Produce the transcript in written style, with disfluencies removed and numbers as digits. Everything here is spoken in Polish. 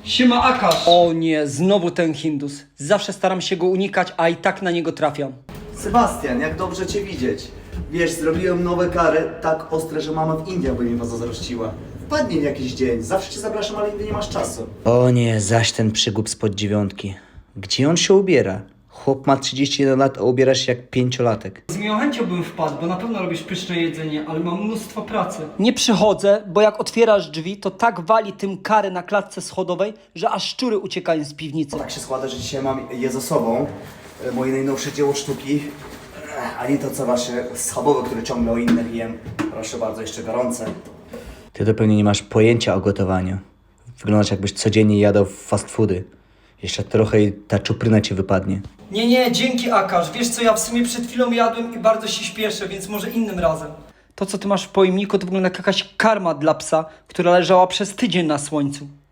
Siema Akash. O nie, znowu ten Hindus. Zawsze staram się go unikać, a i tak na niego trafiam. Sebastian, jak dobrze Cię widzieć. Wiesz, zrobiłem nowe kary, tak ostre, że mama w Indiach by mi was zazdrościła. Wpadnij w jakiś dzień, zawsze Cię zapraszam, ale nigdy nie masz czasu. O nie, zaś ten przygłup spod 9. Gdzie on się ubiera? Chłop ma 31 lat, a ubiera się jak 5-latek. Z miłą chęcią bym wpadł, bo na pewno robisz pyszne jedzenie, ale mam mnóstwo pracy. Nie przychodzę, bo jak otwierasz drzwi, to tak wali tym kary na klatce schodowej, że aż szczury uciekają z piwnicy. Tak się składa, że dzisiaj mam je ze sobą. Moje najnowsze dzieło sztuki. A nie to co wasze schabowe, które ciągle o innych jem. Proszę bardzo, jeszcze gorące. Ty to pewnie nie masz pojęcia o gotowaniu. Wyglądasz jakbyś codziennie jadał fast foody. Jeszcze trochę i ta czupryna ci wypadnie. Nie, dzięki Akash. Wiesz co, ja w sumie przed chwilą jadłem i bardzo się śpieszę, więc może innym razem. To, co ty masz w pojemniku, to wygląda jak jakaś karma dla psa, która leżała przez tydzień na słońcu.